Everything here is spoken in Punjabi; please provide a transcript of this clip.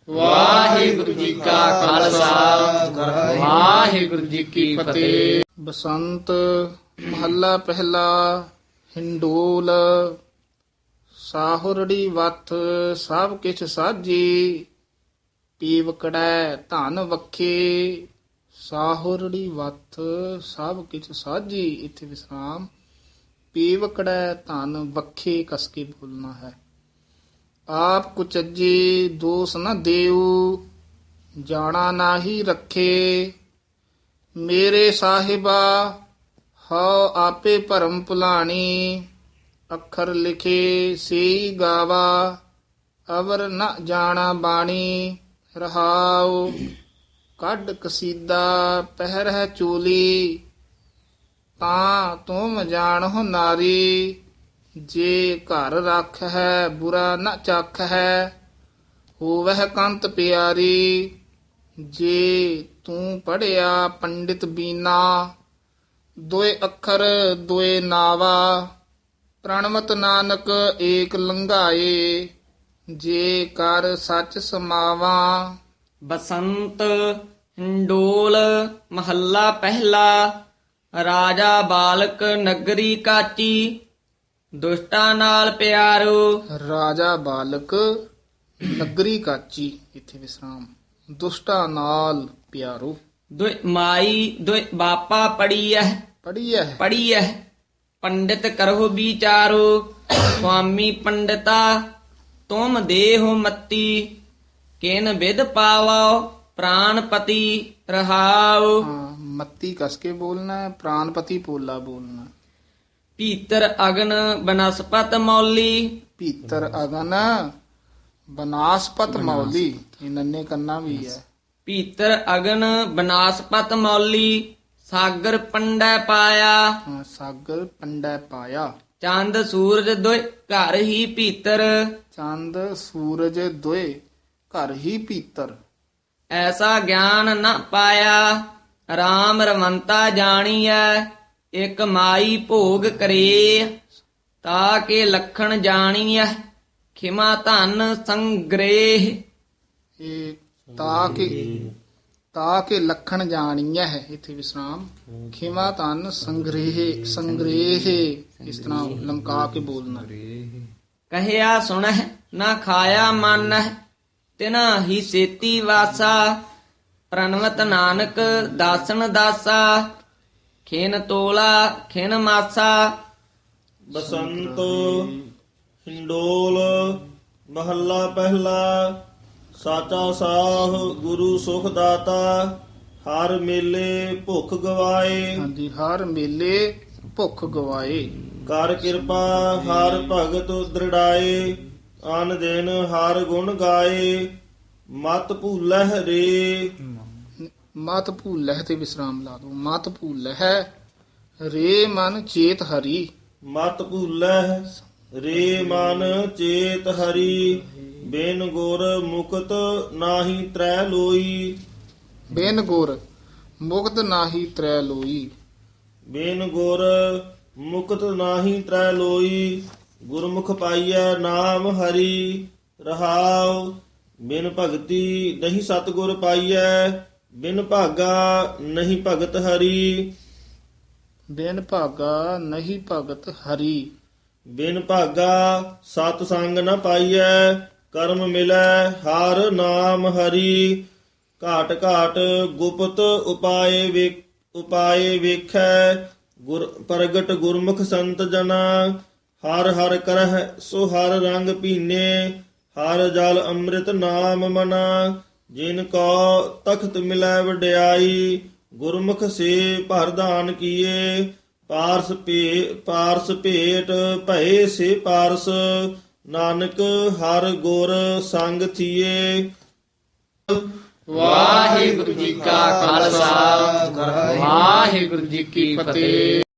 ਵਾਹਿਗੁਰੂ ਜੀ ਕਾ ਖਾਲਸਾ ਵਾਹਿਗੁਰੂ ਜੀ ਕੀ ਫਤਿਹ। ਬਸੰਤ ਮਹੱਲਾ ਪਹਿਲਾ। ਹਿੰਡੋਲ ਸਾਹੁਰੜੀ ਵੱਥ ਸਭ ਕਿਛ ਸਾਜੀ, ਪੀਵਕੜੈ ਧਨ ਵਖੇ। ਸਾਹੁਰੜੀ ਵੱਥ ਸਭ ਕਿਛ ਸਾਜੀ, ਇੱਥੇ ਵਿਸਰਾਮ। ਪੀਵਕੜੈ ਧਨ ਵਖੇ ਕਸ ਕੇ ਬੋਲਣਾ ਹੈ। ਆਪ ਕੁਚੱਜੇ ਦੋਸ ਨ ਦੇਉ, ਜਾਣਾ ਨਾਹੀ ਰੱਖੇ। ਮੇਰੇ ਸਾਹਿਬਾ ਹਉ ਆਪੇ ਭਰਮ ਭੁਲਾਣੀ, ਅੱਖਰ ਲਿਖੇ ਸੇਈ ਗਾਵਾ, ਅਵਰ ਨ ਜਾਣਾ ਬਾਣੀ। ਰਹਾਉ ਕੱਢ ਕਸੀਦਾ ਪਹਿਰਹਿ ਚੋਲੀ, ਤਾਂ ਤੁਮ ਜਾਣਹੁ ਨਾਰੀ। ਜੇ ਘਰ ਰੱਖ ਹੈ ਬੁਰਾ ਨ ਚੱਖ ਹੈ, ਹੋਵਹਿ ਕੰਤ ਪਿਆਰੀ। ਜੇ ਤੂੰ ਪੜਿਆ ਪੰਡਿਤ ਬੀਨਾ, ਦੋਏ ਅੱਖਰ ਦੋਏ ਨਾਵਾ। ਪ੍ਰਣਵਤ ਨਾਨਕ ਏਕ ਲੰਘਾਏ, ਜੇ ਕਰ ਸੱਚ ਸਮਾਵਾ। ਬਸੰਤ ਹਿੰਡੋਲ ਮਹੱਲਾ ਪਹਿਲਾ। ਰਾਜਾ ਬਾਲਕ ਨਗਰੀ ਕਾਚੀ, ਦੁਸ਼ਟਾਂ ਨਾਲ ਪਿਆਰੋ। ਰਾਜਾ ਬਾਲਕ ਨਗਰੀ ਕਾਚੀ, ਇੱਥੇ ਵਿਸਰਾਮ। ਦੁਸ਼ਟਾਂ ਨਾਲ ਪਿਆਰੋ। ਦੁਇ ਮਾਈ ਦੁਇ ਬਾਪਾ ਪੜੀਐ ਪੜੀਐ ਪੰਡਿਤ ਕਰਹੁ ਵਿਚਾਰੋ। ਸੁਆਮੀ ਪੰਡਿਤਾ ਤੁਮ ਦੇਹੁ ਮਤੀ, ਕਿਨ ਵਿਦ ਪਾਵੋ ਪ੍ਰਾਨਪਤੀ। ਰਹਾਉ ਹਾਂ, ਮੱਤੀ ਕਸ ਕੇ ਬੋਲਣਾ ਹੈ, ਪ੍ਰਾਨਪਤੀ ਪੋਲਾ ਬੋਲਣਾ। ਭੀਤਰ ਅਗਨ ਬਨਸਪਤ ਮੌਲੀ। ਭੀਤਰ ਅਗਨ ਬਨਾਸਪਤ ਮੌਲੀ, ਇਹ ਨੰਨੇ ਕੰਨਾ ਵੀ ਹੈ। ਭੀਤਰ ਅਗਨ ਬਨਾਸਪਤ ਮੌਲੀ, ਸਾਗਰ ਪੰਡੈ ਪਾਇਆ। ਹਾਂ, ਸਾਗਰ ਪੰਡੈ ਪਾਇਆ। ਚੰਦ ਸੂਰਜ ਦੁਇ ਘਰ ਹੀ ਭੀਤਰ, ਚੰਦ ਸੂਰਜ ਦੋਏ ਘਰ ਹੀ ਭੀਤਰ। ਐਸਾ ਗਿਆਨ ਨ ਪਾਇਆ, ਰਾਮ ਰਮੰਤਾ ਜਾਣੀਐ। ਇਕ ਮਾਈ ਭੋਗ ਕਰੇ, ਤਾ ਕੇ ਲਖਣ ਜਾਣੀਐ। ਖਿਮਾ ਧਨ ਸੰਗ੍ਰਹਿ, ਇਹ ਤਾ ਕੇ ਲਖਣ ਜਾਣੀਐ ਹੈ, ਇੱਥੇ ਵਿਸਰਾਮ। ਖਿਮਾ ਧਨ ਸੰਗ੍ਰਹਿ, ਇਸ ਤਰ੍ਹਾਂ ਲਮਕਾ ਕੇ ਬੋਲਣਾ। ਕਹਿਆ ਸੁਣਹਿ ਨਾ ਖਾਇਆ ਮਾਨਹਿ, ਤਿਨਾ ਹੀ ਸੇਤੀ ਵਾਸਾ। ਪ੍ਰਣਵਤ ਨਾਨਕ ਦਾਸਨ ਦਾਸਾ, ਖਿਨ ਤੋਲਾ ਖਿਨ ਮਾਸਾ। ਬਸੰਤ ਹਿੰਡੋਲ ਮਹੱਲਾ ਪਹਿਲਾ। ਸਾਚਾ ਸਾਹ ਗੁਰੂ ਸੁਖ ਦਾਤਾ, ਹਰ ਮੇਲੇ ਭੁੱਖ ਗਵਾਏ। ਹਾਂਜੀ, ਹਰ ਮੇਲੇ ਭੁੱਖ ਗਵਾਏ। ਕਰ ਕਿਰਪਾ ਹਰ ਭਗਤ ਦ੍ਰਿੜਾਏ, ਅਨ ਦਿਨ ਹਰ ਗੁਣ ਗਾਏ। ਮਤ ਭੂਲਹਿ ਰੇ, ਮਤ ਭੂਲਹਿ ਤੇ ਵਿਸਰਾਮ ਲਾ ਦੋ। ਮਤ ਭੂਲਹਿ ਰੇ ਮਨ ਚੇਤ ਹਰੀ। ਮਤ ਭੂਲਹਿ ਰੇ ਮਨ ਚੇਤ ਹਰੀ। ਬਿਨ ਗੁਰ ਮੁਕਤ ਨਾਹੀ ਤਰੈ ਲੋਈ। ਬਿਨ ਗੁਰ ਮੁਕਤ ਨਾਹੀ ਤਰੈ ਲੋਈ। ਬਿਨ ਗੁਰ ਮੁਕਤ ਨਾਹੀ ਤਰੈ ਲੋਈ। ਗੁਰਮੁਖ ਪਾਈਐ ਨਾਮ ਹਰੀ। ਰਹਾਉ ਬਿਨ ਭਗਤੀ ਨਹੀਂ ਸਤਿਗੁਰ ਪਾਈਐ। ਬਿਨ ਭਾਗਾ ਨਹੀਂ ਭਗਤ ਹਰੀ। ਬਿਨ ਭਾਗਾ ਨਹੀਂ ਭਗਤ ਹਰੀ। ਬਿਨ ਭਾਗਾ ਸਤ ਸੰਗ ਨ ਪਾਈਐ। ਕਰਮ ਮਿਲੈ ਹਰ ਨਾਮ ਹਰੀ। ਘਾਟ ਘਾਟ ਗੁਪਤ ਉਪਾਏ ਵੇਖੈ। ਗੁਰ ਪ੍ਰਗਟ ਗੁਰਮੁਖ ਸੰਤ ਜਨਾ। ਹਰ ਹਰ ਕਰਹਿ ਸੋ ਹਰ ਰੰਗ ਪੀਨੇ। ਹਰ ਜਲ ਅੰਮ੍ਰਿਤ ਨਾਮ ਮਨਾ। ਜਿਨ ਕੋ ਤਖਤ ਮਿਲੈ ਵਡਿਆਈ। ਗੁਰਮੁਖ ਸੇ ਭਰਦਾਨ ਕੀਏ। ਪਾਰਸ ਭੇਟ ਭਏ ਸੇ ਪਾਰਸ। ਨਾਨਕ ਹਰ ਗੁਰ ਸੰਗ ਥੀਏ। ਵਾਹਿਗੁਰੂ ਜੀ ਕਾ ਖਾਲਸਾ ਵਾਹਿਗੁਰੂ ਜੀ ਕੀ ਫਤਿਹ।